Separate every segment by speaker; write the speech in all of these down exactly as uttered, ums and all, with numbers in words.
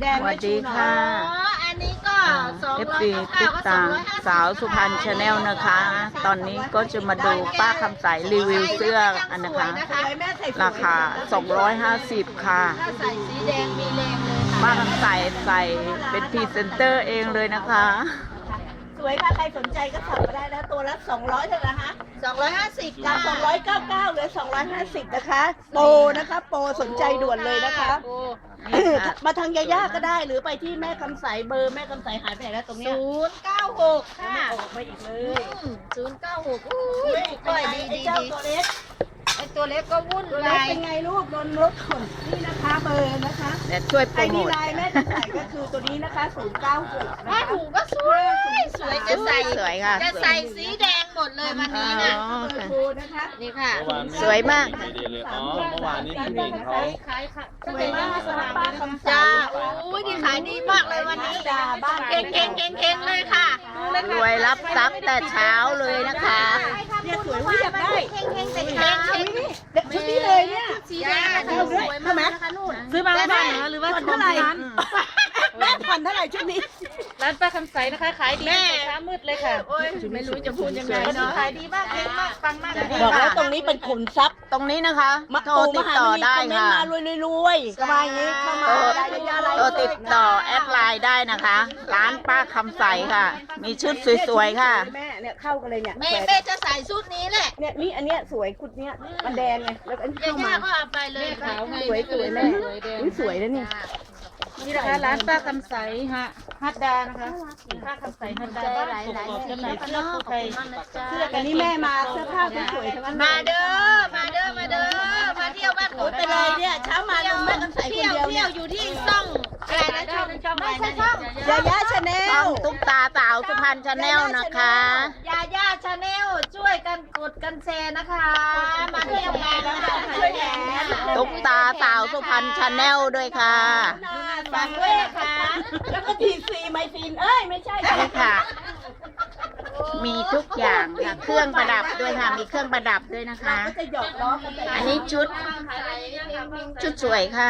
Speaker 1: แดง
Speaker 2: สวัสดีค่ะ
Speaker 3: อ๋ออันนี้ก็สอง
Speaker 2: เอฟ
Speaker 3: ร้อย
Speaker 2: ซี
Speaker 3: เก้า
Speaker 2: ตุ๊ก
Speaker 3: ก็สอ
Speaker 2: ตาง
Speaker 3: ร้อยห้าสิบ
Speaker 2: สาวสุพรรณชาแนลนะคะ ตอนนี้ก็จะมาดูป้าคำใสรีวิวเสื้ออันนะคะ
Speaker 1: สวยแม่ใส่สวย
Speaker 2: ราคา สองร้อยห้าสิบ ค่ะ
Speaker 3: ถ้าใส่สีแดงมีแรงเลยค่ะ
Speaker 2: ป้าคำใสใส่เป็นพรีเซนเตอร์เองเลยนะคะ
Speaker 1: สวยค่ะใครสนใจก็สั่งมาได้นะตัวละสองร้อยเท่านั้นนะคะ
Speaker 3: สองร้อยห้าสิบ
Speaker 1: จากสองร้อยเก้าสิบเก้าเหลือสองร้อยห้าสิบนะคะโปรนะคะโปรสนใจด่วนเลยนะคะ มาทางยาย่าก็ได้หรือไปที่แม่คำใสเบอร์แม่คำใสหายไปไหนแล้วตรงเนี้ย
Speaker 3: ศูนย์เก้าหกค่ะ
Speaker 1: ออกมาอีกเลย
Speaker 3: ศูนย์เก้าหกอุ้ยก้อยดี
Speaker 1: ไอ้
Speaker 3: ดี
Speaker 1: เจ้า
Speaker 3: ดี
Speaker 1: ตัวเล็ก
Speaker 3: ไอตัวเล็กก็วุ่น
Speaker 1: ตัวเล็ก
Speaker 3: วาย
Speaker 1: เป็นไงลูกโดนรถขนนี่นะคะเบอร์นะคะ
Speaker 2: เดี๋ยวช่วยโปร
Speaker 1: ไอ้
Speaker 2: โม
Speaker 1: นี่
Speaker 2: ท
Speaker 1: ลายแม่คำใสก็คือตัวนี้นะคะศูนย์เก้าหกนะ
Speaker 3: ผ้า
Speaker 1: คะ
Speaker 3: ถุงก็สวยสวยจะใส่
Speaker 2: สวยค่ะ
Speaker 3: จะใส่สีแดงหมดเลยวันนี้น่ะ
Speaker 2: อ๋อ
Speaker 1: เบอร์
Speaker 2: ค่ะ
Speaker 1: โทรนะคะ
Speaker 3: นี่ค่ะ
Speaker 4: เมื่อวานไ
Speaker 2: สวยมาก
Speaker 4: ดีเลยอ๋อ เมื่อวานนี้พี่หนิงเขา
Speaker 1: สวยมากสำหรับป้าคำใส
Speaker 3: จ้าโอ้ยดีขายดีมากเลยวันนี้
Speaker 1: จ้าบ้าน
Speaker 3: เก่งเก่งเก่งเก่งเลยค่ะ
Speaker 2: รวยรับทรัพย์แต่เช้าเลยนะคะ
Speaker 1: เนี่ยสวยว่าอยากได้
Speaker 3: เก่งเก่งแต่เช้า
Speaker 1: เด็กชุดนี้เลยเนี่ย
Speaker 3: สีแดงนะคะสวยมากนะคะนู่น
Speaker 5: ซื้อมาเมื่อวานเหรอหรือว่า
Speaker 1: ผ่อน
Speaker 5: ของ
Speaker 1: เท่าไหร่
Speaker 5: ที่ร้าน
Speaker 1: แม่ผ่อนเท่าไหร่ชุดนี้
Speaker 5: ร้านป้าคำใสนะคะขายดี
Speaker 3: แม่
Speaker 5: แต่เช้ามืดเลยค่ะ
Speaker 3: โอ้ยไม่รู้จะพูดยังไงเนาะขายดีมากเก่งมากปังมากเลย
Speaker 1: บอกแล้วตรงนี้เป็นขุนทรัพย์
Speaker 2: ตรงนี้นะคะ
Speaker 1: มา
Speaker 2: โทรติดต่อได้
Speaker 1: คอมเมน
Speaker 2: ค่ะ
Speaker 1: ต์มารวยๆรวยๆก็มาอย่างนี้เข้ามา
Speaker 2: โทร
Speaker 1: ได้ยาๆอะไร
Speaker 2: โทรติดต่อแอดไลน์ได้นะคะ ร้านป้าคำใสค่ะ มีชุดสวยๆค่ะ
Speaker 1: แม่เนี่ยเข้ากันเลยเนี่ย
Speaker 3: แม่แม่จะใส่ชุดนี้แหละ
Speaker 1: เนี่ยนี่อันเนี้ยสวยกุดเนี้ยมันแดงไงแล้วอันนี้
Speaker 3: ย่า
Speaker 1: เข้า
Speaker 3: ย่า
Speaker 1: มา
Speaker 3: ก็เอาไปเลย
Speaker 5: ขาวไง
Speaker 1: สวยสวยแม่อุ๊ยสวยนะเนี่ย
Speaker 5: นี่นะคะร้านป้าคำใสฮะฮัดดานะคะป้าคำใสฮัดดาบ้านกกอกจำหน่ายเสื้อคู่ไทยเสื้อ
Speaker 1: อันนี้แม่มาเสื้อผ้าสวยๆทั้งนั้น
Speaker 3: มาเด้อมาเด้อมาเด้อมาเที่ยวบ้าน
Speaker 1: โอ้ยไปเลยเนี่ยเช้ามาลุงแม่กันใส่คน
Speaker 3: เที่ยว
Speaker 1: เดียว
Speaker 3: เที่
Speaker 1: เนี่ย
Speaker 3: ยวอยู่ที่ซ่องอะไรนะช่องช่องอะไรนะช่อง
Speaker 1: ยาย่าชาแน
Speaker 2: ช่อ
Speaker 1: ล
Speaker 2: งตุ๊กตาสาวสุพรรณชาแนลนะคะ
Speaker 3: ยาย่าชาแนลช่วยกันกดกันแชร์นะคะ มาเที่ยวกันนะคะ
Speaker 1: ช่วยแหน
Speaker 2: ตุ๊กตาสาวสุพรรณชาแนลด้วยค่ะ
Speaker 3: ฝากด้วยนะคะ
Speaker 1: แล้วก็ทีซีไมซีนเอ้ยไม่ใช่
Speaker 2: นี่ค่ะ มีทุกอย่างค่ะ เครื่องประดับด้วยค่ะ มีเครื่องประดับด้วยนะคะ
Speaker 1: ก็จะหยอกล้อกันไป
Speaker 2: อันนี้ชุด ชุดสวยค่ะ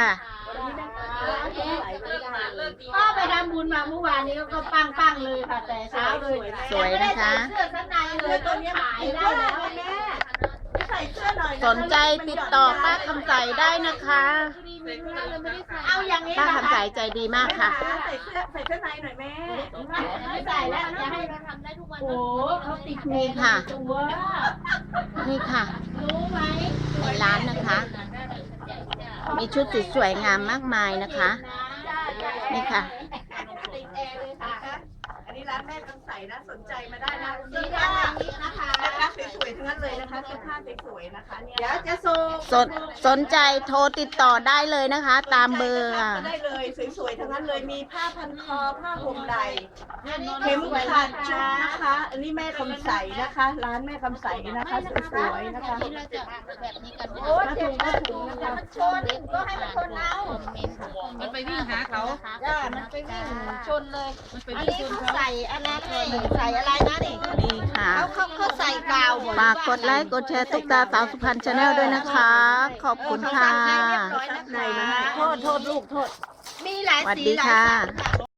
Speaker 3: ก็ไปทำบุญมาเมื่อวานนี้ก็ปังปังๆเลยค่ะ แต่เช้าเลย
Speaker 2: สวยนะคะ
Speaker 3: เสื้อชั้นในเลยตัวนี้ขายได้แล้ว
Speaker 1: แม่ใส่เสื้อหน่อย
Speaker 2: สนใจติดต่อป้าคำใสได้นะคะ
Speaker 3: เอาอย่างนี้
Speaker 2: ป้า
Speaker 3: นะ
Speaker 2: คำใสใจดีมากค่ะ
Speaker 1: ใส่เสื้อใส่เสื้อในหน่อยแม่
Speaker 3: ไม่ใส่แล้วจะให้เราทำได้ทุกวัน
Speaker 1: โอ้เขาติด
Speaker 2: นี่ค่ะ
Speaker 1: ตัว
Speaker 2: นี่ค่ะ
Speaker 3: รู้ไหม
Speaker 2: ในร้านนะคะ มีชุดสวยๆงามมากมายนะคะ นี่ค่ะ
Speaker 3: ติดแอร์เลยค่ะ
Speaker 1: อันนี้ร้านแม่คำใสนะสนใจมาได้นะ
Speaker 3: สี
Speaker 1: เสื้อ
Speaker 3: ดำ
Speaker 1: ผ้า
Speaker 3: อย่างนี้นะคะ
Speaker 1: เสื้อผ้าสวยๆทั้งนั้นเลยนะคะเสื้อผ้าสวยๆนะคะเนี่ย
Speaker 3: เดี๋ยวจะส่ง
Speaker 2: สนสนใจโทรติดต่อได้เลยนะคะ ตามเบอร์อ่ะ
Speaker 1: ก็ได้เลยสวยๆทั้งนั้นเลยมีผ้าพันคอผ้าห่มไหล่เข็มขัดชุดนะคะ อันนี้แม่คำใสนะคะ ร้านแม่คำใสนะคะสวยๆนะคะ
Speaker 3: เราจะแบบนี้กัน
Speaker 1: โอ้เจ็บผ้าถุงนะคะ
Speaker 3: มันชนก็ให้มันชนเอา
Speaker 5: มันไปวิ่งหาเขา
Speaker 3: จ้ามันไปวิ่งชนเลย
Speaker 5: มันไป
Speaker 3: อัน
Speaker 5: วิ่ง
Speaker 3: นี้
Speaker 5: ชน
Speaker 3: เขา
Speaker 5: เขา
Speaker 3: ใส่อันนั้นนี่ใส่อะไรนะนี่
Speaker 2: นี่ค่ะ
Speaker 3: เขาเขาเขาใส่กาวหมด
Speaker 2: ฝากกดไลค์ กดแชร์ตุ๊กตาสาวสุพรรณชาแนลด้วยนะคะ ขอบคุณค่ะ
Speaker 3: เรียบร้อยนะคะ
Speaker 1: โทษโทษลูกโทษ
Speaker 3: มีหลาย
Speaker 2: สวัส
Speaker 3: สี
Speaker 2: ดี
Speaker 3: หลาย
Speaker 2: ค่ะ
Speaker 3: สันค่ะ